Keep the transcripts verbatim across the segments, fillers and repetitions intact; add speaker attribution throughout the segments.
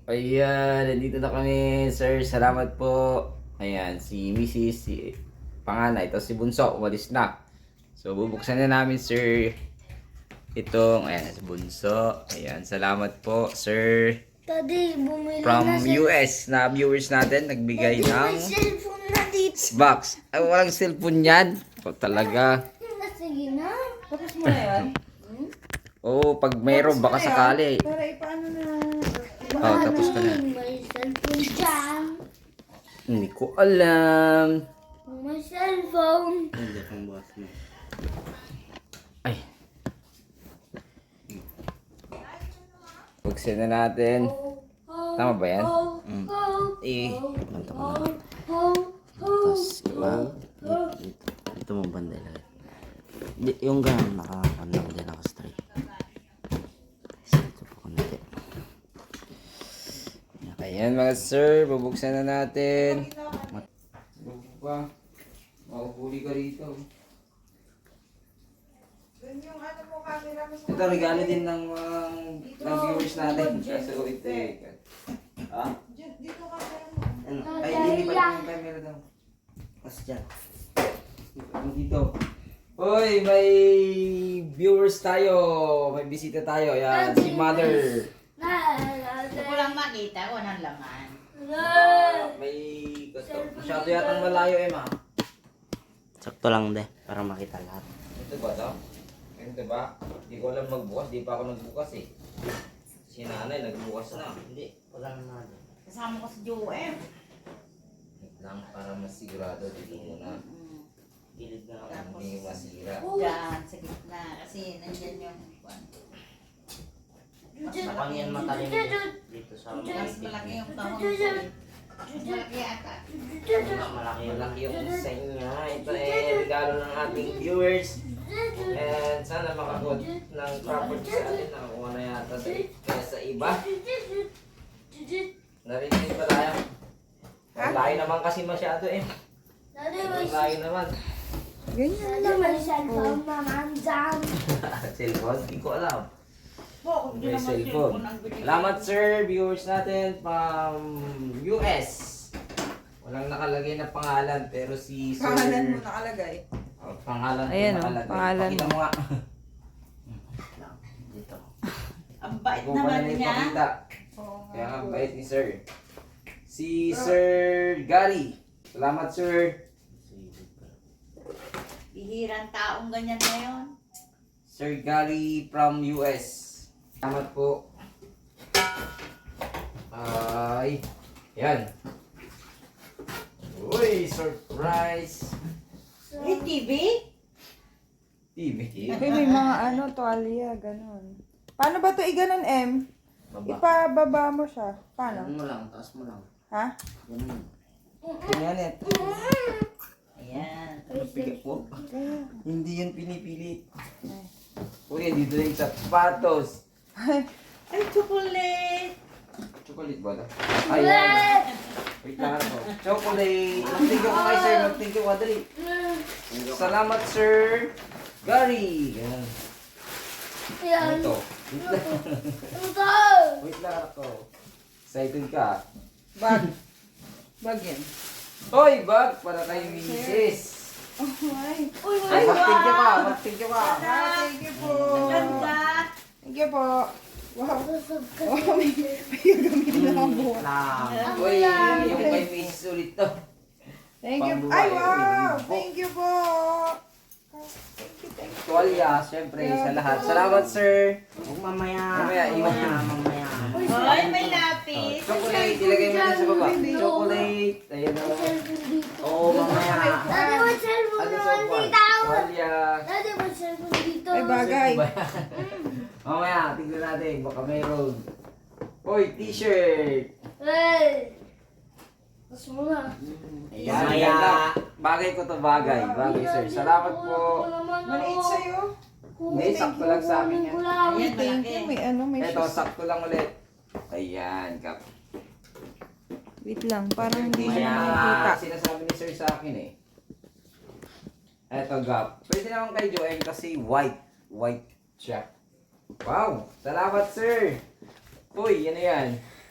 Speaker 1: Ayan, nandito na kami, sir. Salamat po. Ayan, si Missus si panganay, tapos si Bunso, umalis na. So, bubuksan na namin, sir. Itong, ayan, si Bunso. Ayan, salamat po, sir.
Speaker 2: Daddy, bumili
Speaker 1: From
Speaker 2: na siya.
Speaker 1: U S na viewers natin, nagbigay
Speaker 2: Daddy,
Speaker 1: ng
Speaker 2: may cellphone na dito.
Speaker 1: box. Ay, walang cellphone yan. O, talaga.
Speaker 2: Sige na.
Speaker 3: Tapos mo na yan?
Speaker 1: Oo, pag mayroon, baka sakali.
Speaker 3: Para ipaano na...
Speaker 1: Oh, tapos ka na.
Speaker 2: May cellphone dyan.
Speaker 1: Hindi ko alam.
Speaker 2: May cellphone.
Speaker 1: Ay. Buksan na natin. Tama ba yan?
Speaker 2: Mm.
Speaker 1: Eh,
Speaker 4: Manta ko na. Tapos iba. Dito, dito mo banda ilagay. Di, yung ganun, naka-ano lang din, naka-straight. So, ito po kunti.
Speaker 1: ayan mga sir, bubuksan na natin. Bubuk pa. Makuhuli ka rito. Ito, regalo din ng, um, ng viewers natin. Kaso ito eh. Ha?
Speaker 3: Dito ka
Speaker 4: Ano?
Speaker 1: Ay, lilipat yung camera daw.
Speaker 4: Tapos dyan.
Speaker 1: Dito. Hoy, may viewers tayo. May bisita tayo. Ayan, si Mother.
Speaker 5: Gusto ko lang makita, walang laman.
Speaker 1: Ah, may masyado yatang malayo, Emma.
Speaker 4: Sakto lang de, para makita lahat.
Speaker 1: Ito ba to? Ito ba? Hindi ko alam magbukas. Di pa ako nagbukas eh. Si nanay nagbukas na.
Speaker 4: Hindi, wala na natin.
Speaker 5: Kasama ko si Joem.
Speaker 1: Wait lang para mas sigurado dito muna.
Speaker 4: Gilid na ako.
Speaker 5: Tapos,
Speaker 1: Hindi masira.
Speaker 5: dyan, sa gitna. Kasi nandyan yung kwan. Mas
Speaker 4: Sa
Speaker 5: malaki,
Speaker 4: yan matalim din. Dito sa
Speaker 5: mas
Speaker 4: mga
Speaker 5: malaki yung kahon ko eh. Mas malaki ata.
Speaker 4: malaki yung
Speaker 1: Malaki yung design niya. Ito eh, regalo ng ating viewers. And sana makagot ng property sa atin. Nakakuha na yata sa, kaya sa iba. Narinig ba tayo? Ang layo naman kasi masyado eh.
Speaker 2: Daddy,
Speaker 1: Ang
Speaker 2: may
Speaker 1: layo naman.
Speaker 3: Ganyan
Speaker 2: Daddy, may cellphone naman dyan.
Speaker 1: Cellphone? Hindi ko alam.
Speaker 5: Po, hindi
Speaker 1: May
Speaker 5: naman
Speaker 1: cellphone.
Speaker 5: ang binigay.
Speaker 1: Salamat sir, viewers natin from U S. Walang nakalagay na pangalan pero si sir...
Speaker 3: Pangalan mo nakalagay.
Speaker 1: Oh, pangalan ko
Speaker 3: Ayan, oh,
Speaker 1: nakalagay.
Speaker 3: pangalan
Speaker 1: Pakita mo nga.
Speaker 4: dito.
Speaker 5: Ang bait
Speaker 1: Hindi ko pa
Speaker 5: naman
Speaker 1: na
Speaker 5: niya.
Speaker 1: ipakita.
Speaker 3: Oo nga.
Speaker 1: Kaya ang bait ni sir. Si Sir Gary. Salamat sir.
Speaker 5: Bihirang taong ganyan na yun.
Speaker 1: Sir Gary from U S. Salamat po. Ay. Yan. Uy, surprise.
Speaker 5: May T V?
Speaker 1: T V.
Speaker 3: Uy, may mga ano, tuwalya, ganun. Paano ba to i-ganon, M?
Speaker 4: Baba.
Speaker 3: Ipababa mo siya. Paano?
Speaker 4: Ganun mo lang, taas mo lang.
Speaker 3: Ha?
Speaker 4: Ganun.
Speaker 1: Tingnan ito.
Speaker 5: Ayan.
Speaker 1: Napigat po. Hindi yun pinipilit. Uy, dito na yung sapatos.
Speaker 5: Ay, chocolate!
Speaker 1: Chocolate ba ito? Ayan. Wait lang ako. Chocolate. Mag-thank you ko kay sir. Mag-thank you ko. Dali. Salamat sir. Gary. Yan. Ano
Speaker 2: Yan.
Speaker 1: ito? Wait lang.
Speaker 2: Ito.
Speaker 1: Wait lang ako. Excited ka?
Speaker 3: Bag. Bag yan.
Speaker 1: Hoy, bag para kay misis.
Speaker 3: Oh, ay.
Speaker 2: Uy,
Speaker 1: Ay,
Speaker 2: may
Speaker 1: mag-thank you ka. Mag-thank you ka.
Speaker 3: Ah, thank you po.
Speaker 5: Ganda!
Speaker 3: Thank you po. Wow.
Speaker 2: busog ka.
Speaker 3: Wow, may, may gagamitin na ang buwan.
Speaker 4: Lang.
Speaker 1: Uy, yung kay misis ulit to.
Speaker 3: Thank you.
Speaker 1: Pambuhay,
Speaker 3: Ay,
Speaker 1: uy,
Speaker 3: wow.
Speaker 1: libo.
Speaker 3: Thank you po. Thank you, thank you.
Speaker 1: Tuwalya, syempre, sa lahat. Salamat sir.
Speaker 4: Huwag mamaya.
Speaker 1: Mamaya, iwan
Speaker 4: Mamaya,
Speaker 1: niya.
Speaker 4: mamaya.
Speaker 5: Hoy, may
Speaker 1: Oh,
Speaker 5: lapis!
Speaker 1: chocolate, ilagay mo din sa baba. Chocolate. Ayan na.
Speaker 2: Cellphone dito.
Speaker 1: Oo, mamaya.
Speaker 2: Daddy, may cellphone
Speaker 1: Ano sa
Speaker 2: naman
Speaker 1: upuan?
Speaker 2: dito.
Speaker 1: Tuwalya.
Speaker 2: Daddy, may cellphone dito.
Speaker 3: Ay, bagay.
Speaker 1: Mamaya, tignan natin. Baka mayroon. Hoy, t-shirt.
Speaker 2: Hey. Tapos mo na.
Speaker 1: Ayan,
Speaker 4: Mamaya.
Speaker 1: ganda. Bagay ko to bagay. Bagay, sir. Salamat po.
Speaker 3: Maliit sa'yo.
Speaker 1: Hindi, sakto lang sa amin yan.
Speaker 5: Ayan,
Speaker 3: Thank
Speaker 5: malaki.
Speaker 3: you. May ano, may
Speaker 1: Ito,
Speaker 3: shoes.
Speaker 1: sakto lang ulit. Ayan, kap.
Speaker 3: Wait lang, parang hindi
Speaker 1: Kaya
Speaker 3: siya makikita.
Speaker 1: sinasabi ni sir sa akin eh. Eto, gap. Pwede naman kay Joem kasi white. White siya. Wow! Salamat, sir! Uy, yan na yan.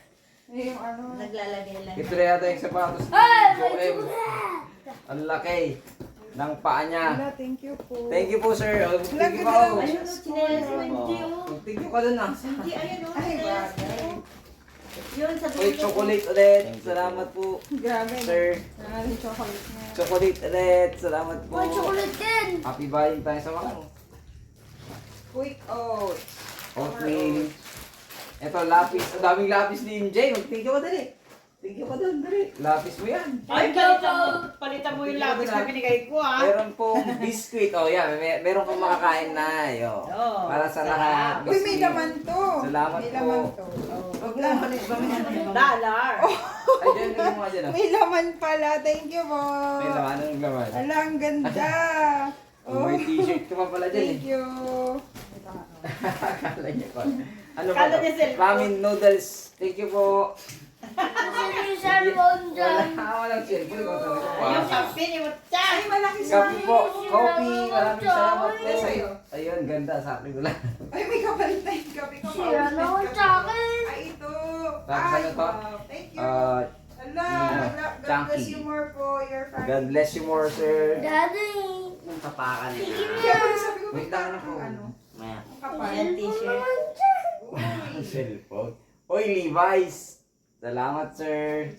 Speaker 3: Yung ano.
Speaker 5: Naglalagay lang.
Speaker 1: Ito na yata yung sapatos ni
Speaker 2: Ay, may
Speaker 1: Joem.
Speaker 2: chocolate!
Speaker 1: Ang laki ng paa niya.
Speaker 3: Wala, thank you po.
Speaker 1: Thank you po, sir. Oh, thank you po.
Speaker 3: Wala,
Speaker 5: Ayun, no, chinelas mo, hindi oh.
Speaker 1: Thank you ka dun ah.
Speaker 5: Hindi, ayun oh,
Speaker 3: Ay,
Speaker 5: chinelas
Speaker 3: bagay.
Speaker 5: mo. Yun, sa
Speaker 1: Uy,
Speaker 5: dulo.
Speaker 1: chocolate ulit. Salamat po,
Speaker 3: Grabe.
Speaker 1: sir.
Speaker 3: Nangaling chocolate niya.
Speaker 1: Chocolate ulit. Salamat po.
Speaker 2: May chocolate din!
Speaker 1: Happy Valentine's sa mga.
Speaker 3: Quick oats.
Speaker 1: Oatmeal. Ito, lapis. Ang daming lapis ni M J. Mag-thank you ka dali. Thank you ka dun, dali. Lapis mo yan.
Speaker 5: Ay, palitan mo, palitan mo yung lapis na binigay ko ah.
Speaker 1: Meron pong biscuit. Oh, yan. May, meron kong makakain na. Yo.
Speaker 5: Oo.
Speaker 1: Para sa
Speaker 5: Sarap.
Speaker 1: lahat.
Speaker 3: Uy, may
Speaker 1: Biscuit.
Speaker 3: laman to.
Speaker 1: Salamat
Speaker 3: may
Speaker 1: po.
Speaker 3: laman to.
Speaker 1: Huwag mo manis ba?
Speaker 5: Dollar.
Speaker 1: Ay, dyan, tingin mo nga dyan. oh.
Speaker 3: May laman pala. Thank you po.
Speaker 1: May laman. Anong laman?
Speaker 3: Ala, ang ganda.
Speaker 1: Oh, may t-shirt ka pa pala dyan
Speaker 3: Thank
Speaker 1: eh.
Speaker 3: you.
Speaker 1: Akala niya pa. Ano ba
Speaker 5: Kala
Speaker 1: to?
Speaker 5: niya cellphone.
Speaker 1: Ramen noodles. Thank you po.
Speaker 2: Kasi yung cellphone
Speaker 1: Wala.
Speaker 2: dyan.
Speaker 1: Walang cellphone. Ikaw talaga
Speaker 5: Yung
Speaker 1: pa.
Speaker 5: kape ni Mutchan.
Speaker 3: Ay, malaki sa
Speaker 1: Kape po. Coffee. Maraming salamat po sa'yo. Ayun, ganda. Sa akin ko lang.
Speaker 3: Ay, may kapalit na yung kape ko.
Speaker 2: Sira naman sa akin.
Speaker 3: Ay, ito.
Speaker 1: Tapos
Speaker 3: Ay,
Speaker 1: ano to?
Speaker 3: wow. Thank you.
Speaker 1: Uh,
Speaker 3: Ala,
Speaker 1: ano,
Speaker 3: ala. God
Speaker 1: chunky.
Speaker 3: bless you more po. Your family.
Speaker 1: God bless you more, sir.
Speaker 2: Daddy!
Speaker 4: Yung tapakan niya.
Speaker 3: Kaya pala sabi ko,
Speaker 1: Wait
Speaker 3: may
Speaker 1: lang
Speaker 3: parang
Speaker 1: ako.
Speaker 3: ano.
Speaker 4: Maya.
Speaker 3: Ang kapal.
Speaker 5: Yan, t-shirt.
Speaker 1: Ang cellphone. Oy, Levi's. Salamat, sir.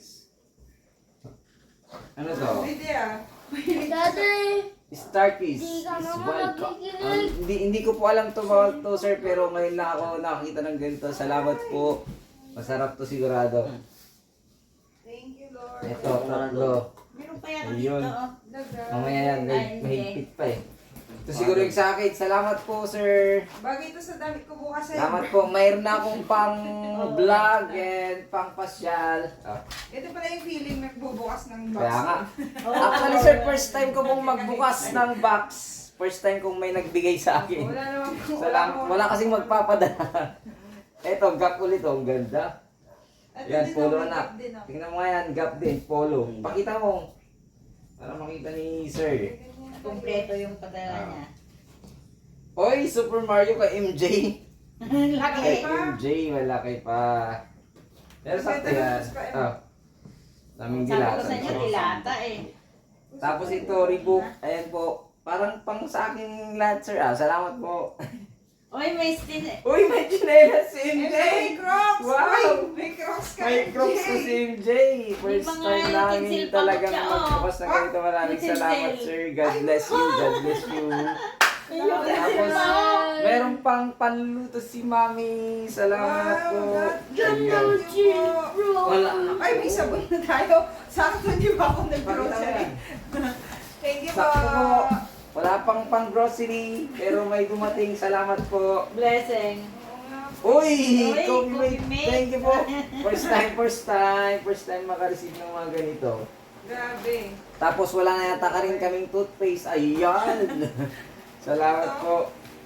Speaker 1: Ano to?
Speaker 3: Hindi ah.
Speaker 2: Daddy!
Speaker 1: Starkies
Speaker 2: Di ka
Speaker 1: is
Speaker 2: naman
Speaker 1: welcome.
Speaker 2: nakikinig.
Speaker 1: Ah, hindi, hindi ko po alam to about to, sir, pero ngayon lang ako nakakita ng ganito. Salamat po. Masarap to sigurado.
Speaker 3: Thank you, Lord.
Speaker 1: Ito, tatlo.
Speaker 5: Meron pa yan
Speaker 1: Ayun.
Speaker 5: dito oh.
Speaker 3: Daga.
Speaker 1: Mamaya yan,
Speaker 5: Ay,
Speaker 1: may-
Speaker 5: hindi.
Speaker 1: mahigpit pa eh. Ito siguro yung sa akin. Salamat po, sir.
Speaker 3: Bagay ito sa damit ko bukas eh.
Speaker 1: Salamat po. Mayroon na akong pang vlog and pang pasyal. Ah,
Speaker 3: Ito pala yung feeling magbubukas ng box.
Speaker 1: kaya nga.
Speaker 5: Oh.
Speaker 1: Actually, sir, first time ko pong magbukas ng box. First time kong may nagbigay sa akin.
Speaker 3: Wala naman po.
Speaker 1: Salam, wala kasing magpapadala. Eto, gap ulit oh. Ang ganda.
Speaker 3: At
Speaker 1: Yan,
Speaker 3: din
Speaker 1: polo
Speaker 3: ako,
Speaker 1: na.
Speaker 3: makeup din ako.
Speaker 1: Tingnan mo nga yan, gap din, polo. Pakita mo. Para makita ni sir.
Speaker 5: Kompleto yung padala niya.
Speaker 1: Oy, Super Mario ka M J.
Speaker 5: Laki.
Speaker 1: Kay M J, malaki pa. Pero sakto yan. Oh. Daming
Speaker 5: Sabi ko
Speaker 1: dilata.
Speaker 5: sa inyo, dilata eh.
Speaker 1: Tapos ito, Reebok. Ayan po. Parang pang sa akin lahat, sir. Ah. Salamat po.
Speaker 5: Oy, may stin eh.
Speaker 1: Uy, may chinelas si M
Speaker 3: Eh,
Speaker 1: J.
Speaker 3: may crocs!
Speaker 1: Wow!
Speaker 3: Uy, may crocs ka!
Speaker 1: May crocs ko si M J. First
Speaker 5: May mga
Speaker 1: time namin
Speaker 5: utensil pa
Speaker 1: talagang
Speaker 5: siya, oh.
Speaker 1: magbukas na ganito. Maraming
Speaker 5: Utensil.
Speaker 1: salamat, sir. God bless you. God bless you. Tapos,
Speaker 2: Bye.
Speaker 1: meron pang panluto si Mami. Salamat po.
Speaker 2: Ganda
Speaker 1: Ayan.
Speaker 2: mo, chill, bro.
Speaker 1: Wala na.
Speaker 3: Ay, may sabon na tayo. Sakto di ba ako
Speaker 1: Pakita mo
Speaker 3: nag-grocery?
Speaker 1: yan.
Speaker 3: Thank you po.
Speaker 1: Sakto po. Wala pang pang grocery, pero may dumating. Salamat po.
Speaker 5: Blessing.
Speaker 1: Uy!
Speaker 5: Uy,
Speaker 1: Coffee mate.
Speaker 5: Coffee Mate.
Speaker 1: Thank you po. First time, first time. First time makareceive ng mga ganito.
Speaker 3: Grabe.
Speaker 1: Tapos wala na yata ka rin kaming toothpaste. Ayan! Salamat po.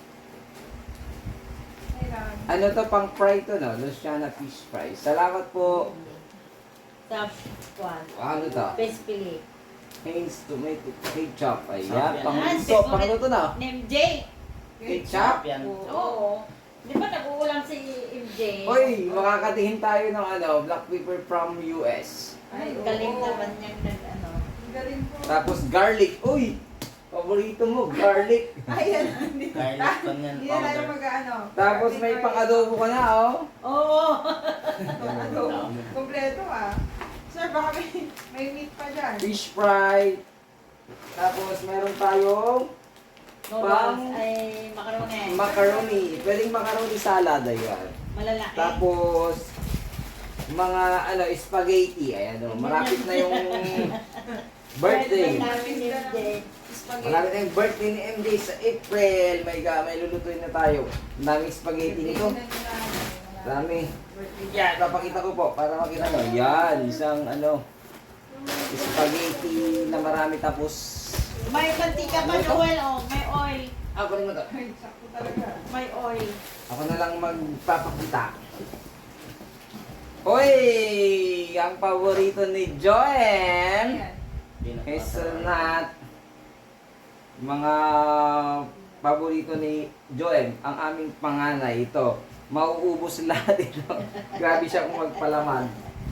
Speaker 3: Kailangan.
Speaker 1: Ano to, pang fry to, no? Luciana fish fry. Salamat po.
Speaker 5: Top one.
Speaker 1: Ano to?
Speaker 5: Best Philip.
Speaker 1: Heinz tomato ketchup.
Speaker 4: Sarap
Speaker 1: Ayan,
Speaker 4: yan.
Speaker 1: pang
Speaker 5: Ah,
Speaker 1: luto. Pang luto na.
Speaker 5: Name J.
Speaker 1: Ketchup.
Speaker 4: Yan.
Speaker 5: Oo. Di ba nag-uulam si M J?
Speaker 1: Uy, makakatingin tayo ng ano, black pepper from U S.
Speaker 3: Ay,
Speaker 5: Galing
Speaker 3: oo.
Speaker 5: naman niyang nag ano.
Speaker 3: Ang galing po.
Speaker 1: Tapos garlic. Uy! Paborito mo, garlic.
Speaker 3: Ayan. Hindi
Speaker 4: Garlic pan yan,
Speaker 3: Hindi na tayo
Speaker 4: powder.
Speaker 3: mag-ano.
Speaker 1: Tapos may pang-adobo ka na, oh.
Speaker 5: Oo.
Speaker 3: Ano? Kompleto ah. Sir, baka may, may meat pa dyan.
Speaker 1: Fish fry. Tapos meron tayong
Speaker 5: Noodles ay macaroni.
Speaker 1: macaroni. Pwedeng macaroni salad, ayan.
Speaker 5: Malalaki.
Speaker 1: Tapos, mga ano, spaghetti. Ayan, oh. Malapit na yung birthday.
Speaker 5: namin ni M J.
Speaker 3: Spaghetti.
Speaker 1: Malapit na yung birthday ni M J sa April. May, ga, may lulutuin na tayo. Ang daming spaghetti nito. Dami. Yan, papakita ko po para makita nyo. Yan, isang ano, spaghetti na marami tapos.
Speaker 5: May mantika pa,
Speaker 1: Ano ito?
Speaker 5: Joel. Oh, may oil.
Speaker 1: Ako rin mo to.
Speaker 3: Ay, sakto talaga.
Speaker 5: May oil.
Speaker 1: Ako na lang magpapakita. Hoy! Ang paborito ni Joem!
Speaker 3: Ayan.
Speaker 1: Hazelnut. Mga paborito ni Joem. Ang aming panganay ito. Mauubos lahat ito. Grabe siya kung magpalaman.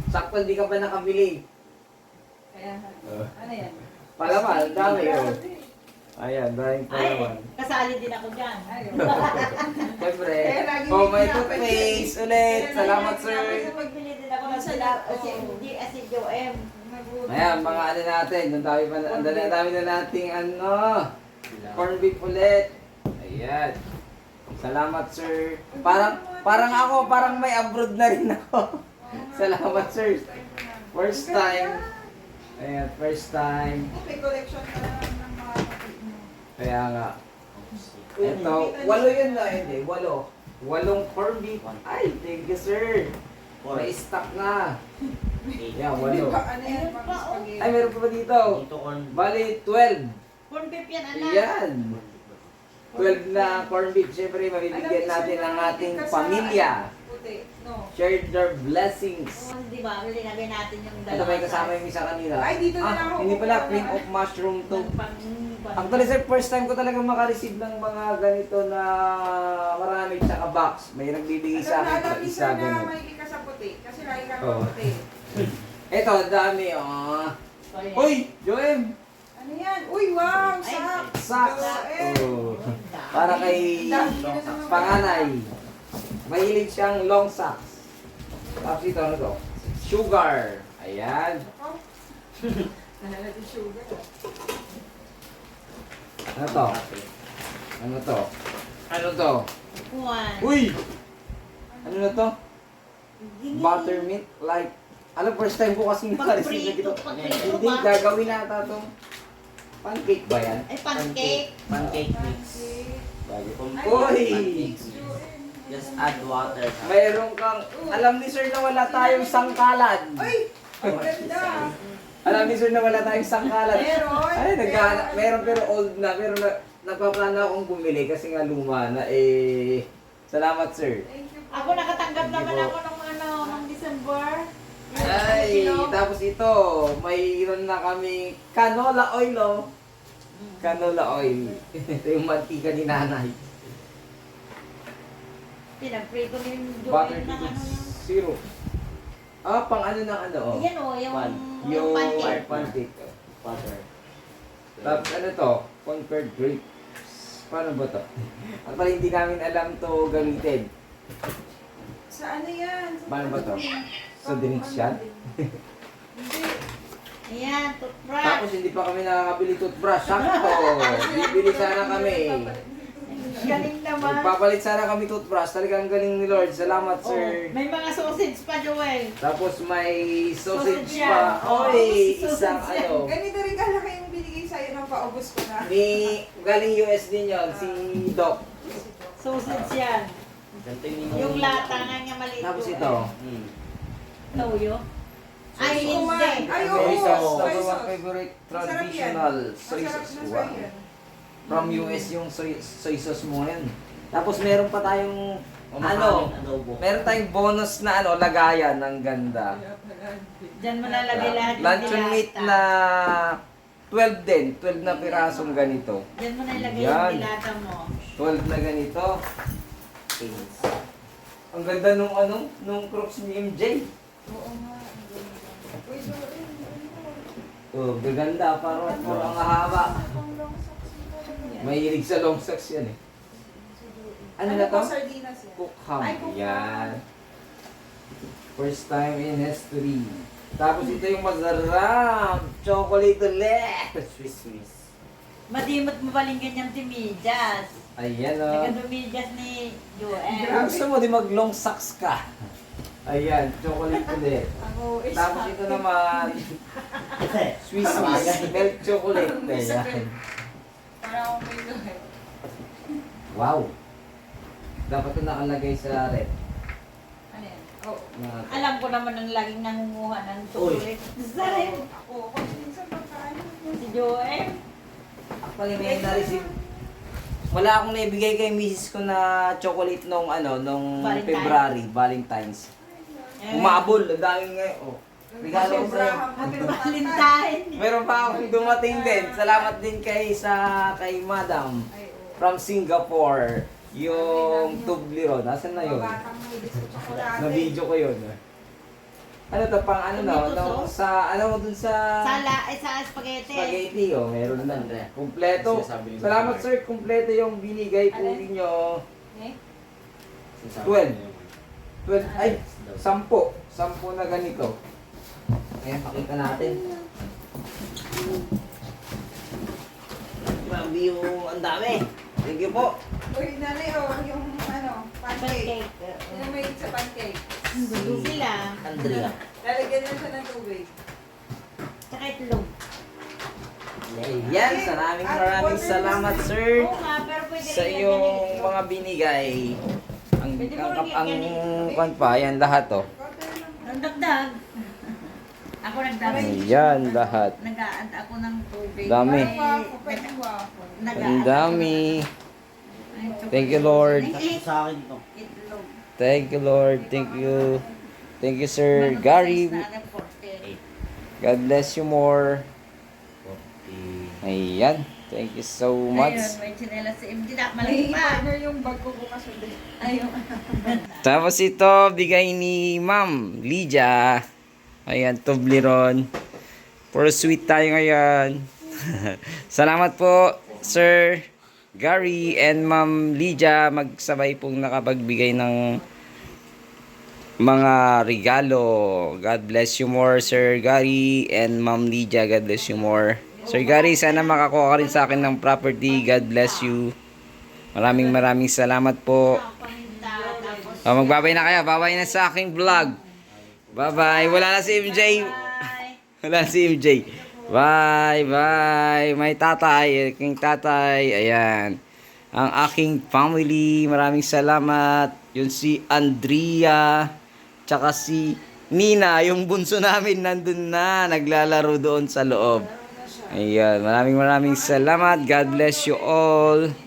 Speaker 1: Sakto hindi ka pa nakabili.
Speaker 3: Kaya,
Speaker 1: Oh.
Speaker 3: ano yan?
Speaker 1: Palaman, dami oh. Ayan, daming
Speaker 5: Ay,
Speaker 1: palaman.
Speaker 5: kasali din ako dyan.
Speaker 3: Ay,
Speaker 1: Siyempre.
Speaker 3: Kaya lagi
Speaker 1: Oh, may
Speaker 3: may
Speaker 1: toothpaste ulit.
Speaker 3: Kaya
Speaker 1: Salamat,
Speaker 5: Kasi
Speaker 1: sir.
Speaker 5: magbili din ako ng sila. Kasi hindi, kasi Joem.
Speaker 1: Ayan, mga ano natin. Ang dami pa, ang dami, ang dami na nating ano. Corn beef ulit. Ayan. Salamat, sir. Parang, parang ako, parang may abroad na rin ako. Salamat, sir. First time. Ayan, first time.
Speaker 3: May collection ka na ng mga kapit mo.
Speaker 1: Kaya nga. Ito, walo yun na, hindi, walo. Walong corn beef. Ay, thank you, sir. May stock na. Yan,
Speaker 3: Hindi
Speaker 1: walo.
Speaker 3: pa, ano yan,
Speaker 5: Ayun
Speaker 3: pang
Speaker 5: pa, oh.
Speaker 3: spaghetti.
Speaker 1: Ay, meron pa ba dito?
Speaker 4: Dito on.
Speaker 1: Bali, twelve.
Speaker 5: Corn beef yan, anak.
Speaker 1: Yan. twelve na corn beef. Siyempre, mabibigyan natin ang ating pamilya.
Speaker 3: Puti, no.
Speaker 1: Share their blessings.
Speaker 5: Oh, di ba? Linagay natin yung
Speaker 1: Ito
Speaker 5: dalawa.
Speaker 1: may kasama yung isa kanina.
Speaker 3: Ay, dito na lang
Speaker 1: Ah,
Speaker 3: ako
Speaker 1: hindi pala,
Speaker 3: kukuha
Speaker 1: cream
Speaker 3: na.
Speaker 1: of mushroom to.
Speaker 5: Pang- pang-
Speaker 1: Actually, sir, first time ko talaga makareceive ng mga ganito na marami tsaka box. May nagbibigay sa akin
Speaker 3: Alam
Speaker 1: pa
Speaker 3: ni
Speaker 1: isa
Speaker 3: sir na
Speaker 1: ganun.
Speaker 3: may ka sa puti. Kasi lagi ka
Speaker 1: Oo.
Speaker 3: puti.
Speaker 1: Ito, dami, oh.
Speaker 5: So, yan.
Speaker 1: Uy, Joem!
Speaker 3: Ano yan? Uy, wow!
Speaker 5: Ay,
Speaker 3: Socks!
Speaker 1: Socks!
Speaker 3: Joel.
Speaker 1: Oh. Para kay
Speaker 3: Dami na naman.
Speaker 1: panganay. Mahilig siyang long socks. Tapos ito, ano to? Sugar. Ayan.
Speaker 3: Oh. Nahala di sugar.
Speaker 1: Ano to? Ano to? Ano to?
Speaker 5: Juan.
Speaker 1: Uy! Ano na to?
Speaker 5: Gingi.
Speaker 1: Buttermilk like. Alam, first time ko kasi nakareceive na
Speaker 5: Pagprito,
Speaker 1: ito.
Speaker 5: pagprito
Speaker 1: Hindi,
Speaker 5: ba?
Speaker 1: gagawin na ata to. Pancake ba yan?
Speaker 5: Ay, pancake.
Speaker 4: Pancake mix.
Speaker 1: Bago.
Speaker 3: Ay,
Speaker 1: Uy!
Speaker 3: pancakes, Joel.
Speaker 4: Just add water.
Speaker 1: Mayroon kang, alam ni sir na wala tayong sangkalan.
Speaker 3: Ay! Ang ganda!
Speaker 1: Alam ni sir na wala tayong sangkalan.
Speaker 3: Meron!
Speaker 1: Ay, naghahanap, meron pero old na, pero na, nagpaplano akong bumili kasi nga luma na eh. Salamat sir.
Speaker 3: Thank you po.
Speaker 5: Ako nakatanggap
Speaker 1: Hindi
Speaker 5: naman
Speaker 1: po.
Speaker 5: ako ng ano, ng December.
Speaker 1: Ay,
Speaker 5: Kilo.
Speaker 1: tapos ito, mayroon na kami canola oil oh. Canola oil. Ito yung mantika ni nanay.
Speaker 5: Pinagprito ni
Speaker 1: Butter
Speaker 5: Joel ng ano
Speaker 1: cubes,
Speaker 5: yung...
Speaker 1: syrup. Ah, pang ano ng ano oh.
Speaker 5: Yan o, yung,
Speaker 4: Pan.
Speaker 5: yung
Speaker 1: Yung
Speaker 5: pancake.
Speaker 1: pancake.
Speaker 4: Water.
Speaker 1: Tapos ano to? Conquered grapes. Paano ba to? Actually, hindi namin alam to gamitin.
Speaker 3: Sa ano yan? Sa
Speaker 1: Paano ba to? Sa
Speaker 3: Pang-
Speaker 1: drinks yan?
Speaker 3: Hindi.
Speaker 5: Ayan, toothbrush.
Speaker 1: Tapos hindi pa kami nakakabili toothbrush. Sakto! Bibili sana kami.
Speaker 5: Galing naman.
Speaker 1: Magpapalit sana kami toothbrush. Talagang galing ni Lord. Salamat,
Speaker 5: Oh,
Speaker 1: sir.
Speaker 5: may mga sausage pa, Joel.
Speaker 1: Tapos may sausage
Speaker 5: Sausage
Speaker 1: pa.
Speaker 5: yan. Oh,
Speaker 1: Oy,
Speaker 5: sausage
Speaker 1: isang
Speaker 5: yan.
Speaker 1: ano.
Speaker 3: Ganito rin kalaki yung binigay sa'yo ng paubos ko na.
Speaker 1: Ni, galing U S din yon si Doc.
Speaker 5: Sausage yan.
Speaker 4: Ganito yung
Speaker 5: Yung lata nga niya maliit.
Speaker 1: Tapos
Speaker 5: Joel.
Speaker 1: ito.
Speaker 4: Hmm.
Speaker 5: Toyo. Ay,
Speaker 3: Soy
Speaker 5: hindi.
Speaker 3: sauce. Ay, oo.
Speaker 1: Soy sauce.
Speaker 3: soy
Speaker 1: Number one
Speaker 3: sauce.
Speaker 1: favorite
Speaker 3: Masarap yan.
Speaker 1: traditional soy
Speaker 3: Masarap
Speaker 1: sauce.
Speaker 3: na
Speaker 1: Wow.
Speaker 3: soy yan.
Speaker 1: From U S yung soy, soy sauce mo ngayon. Tapos meron pa tayong ano,
Speaker 4: Kumakain adobo.
Speaker 1: meron tayong bonus na ano, lagayan ng ganda.
Speaker 5: Diyan mo nalagay lahat yung
Speaker 1: Luncheon meat
Speaker 5: dilata.
Speaker 1: na twelve din, twelve na pirasong ganito.
Speaker 5: Diyan mo nalagay
Speaker 1: Yan.
Speaker 5: yung dilata mo.
Speaker 1: twelve na ganito. Ang ganda nung ano, nung crocs ni M J.
Speaker 3: Oo nga. ang ganda. Uy, Joel, ano?
Speaker 1: Oh, gaganda, parang parang haba.
Speaker 3: Pang long socks mo talaga.
Speaker 1: Mahilig sa long socks yan eh. Ano
Speaker 3: Ano
Speaker 1: na to?
Speaker 3: po, sardinas yan?
Speaker 1: Cook ham.
Speaker 3: Ay, cook ham.
Speaker 1: Yan. First time in history. Tapos ito yung masarap. Chocolate ulit.
Speaker 4: Swiss miss.
Speaker 5: Madimot mo baling ganyang timidyas.
Speaker 1: Ayan o.
Speaker 5: Nagadumidyas ni Joel.
Speaker 3: Grabe.
Speaker 1: Gusto mo di mag long socks ka. Ayan, chocolate ulit.
Speaker 3: Ako, is
Speaker 1: Tapos ito naman, Swiss Miss milk chocolate. Ayan.
Speaker 3: Para akong may luhay.
Speaker 1: Wow. Dapat ito nakalagay sa rep.
Speaker 3: Ano yan? Oh.
Speaker 1: Na-
Speaker 5: Alam ko naman ang laging nangunguha ng chocolate. Sarap.
Speaker 3: Ako, ako minsan pagkaano.
Speaker 5: Si Joel.
Speaker 1: Actually, may na-receive. Wala akong naibigay kay misis ko na chocolate nung ano, nung
Speaker 5: Valentine.
Speaker 1: February, Valentine's.
Speaker 5: Eh,
Speaker 1: Umabol, ang daming ngayon. Oh. Regalo ko sa'yo.
Speaker 3: Happy
Speaker 5: Valentine.
Speaker 1: Meron pa akong dumating din. Salamat din kay sa kay Madam
Speaker 3: Ay, oo.
Speaker 1: from Singapore. Yung Toblerone. Nasaan na yun?
Speaker 3: Batang may gusto tsokolate.
Speaker 1: Na video ko yun. Ano to, pang ano no?
Speaker 5: Tomato
Speaker 1: no
Speaker 5: sauce?
Speaker 1: sa, ano mo dun sa...
Speaker 5: Sala, ay sa spaghetti.
Speaker 1: Spaghetti, oh, meron na. Kumpleto.
Speaker 6: Sinasabi ni
Speaker 1: Salamat
Speaker 6: Mark.
Speaker 1: sir, kumpleto yung binigay po
Speaker 5: Alin?
Speaker 1: ninyo.
Speaker 5: Eh?
Speaker 1: Twelve. Twelve, ay, sampo. Sampo na ganito. Ayan, pakita natin. Grabe yung ang dami. Thank you po.
Speaker 3: Uy, nanay, oh, yung ano, pancake.
Speaker 5: Pancake.
Speaker 3: Yung may sa pancake.
Speaker 5: Gusto sila.
Speaker 4: Andrea.
Speaker 3: Lalagyan na siya ng tubig.
Speaker 5: Tsaka itlog.
Speaker 1: Ayan, maraming maraming salamat sir
Speaker 5: Oo nga, pero pwede
Speaker 1: sa
Speaker 5: rin lagyan
Speaker 1: iyong
Speaker 5: ng itlog.
Speaker 1: mga binigay. Ang
Speaker 5: Pwede mo
Speaker 1: ang
Speaker 5: rin
Speaker 1: ang,
Speaker 5: lagyan ng itlog.
Speaker 1: kwan pa, ayan lahat oh.
Speaker 5: Ang dagdag. Ako nagdagdag.
Speaker 1: Ayan lahat.
Speaker 5: Nag-aad ako ng tubig.
Speaker 1: Dami.
Speaker 5: Eh,
Speaker 3: Waffle, pwede waffle.
Speaker 5: nag-aad
Speaker 1: Ang dami.
Speaker 5: ako. Ay,
Speaker 1: Thank you, Lord.
Speaker 5: Eh,
Speaker 4: Sa akin to.
Speaker 5: Itlog.
Speaker 1: Thank you Lord. Thank you. Thank you Sir Gary.
Speaker 5: Size na agad, forty.
Speaker 1: God bless you more.
Speaker 4: forty.
Speaker 1: Ayan. Thank you so
Speaker 5: Ayun,
Speaker 1: much.
Speaker 5: may chinela si M J na.
Speaker 3: May
Speaker 5: Malaki pa.
Speaker 3: partner yung bag ko bukas ulit.
Speaker 5: Ayun.
Speaker 1: Tapos ito, bigay ni Ma'am Lydia. Ayan, Toblerone. Puro sweet tayo ngayon. Salamat po, Sir Gary and Ma'am Lydia. Magsabay pong nakapagbigay ng mga regalo. God bless you more, Sir Gary and Ma'am Lydia. God bless you more. Sir Gary, sana makakuha ka rin sa akin ng property. God bless you. Maraming maraming salamat po.
Speaker 5: Paminta. Tapos.
Speaker 1: Oh, magbabay na kayo. Babay na sa aking vlog. Bye-bye. Wala na si M J.
Speaker 5: Bye.
Speaker 1: Wala na si M J. Bye, bye. May tatay. Aking tatay. Ayan. Ang aking family. Maraming salamat. Yun si Andrea. Tsaka si Nina. Yung bunso namin nandun na. Naglalaro doon sa loob. Ayan. Maraming maraming salamat. God bless you all.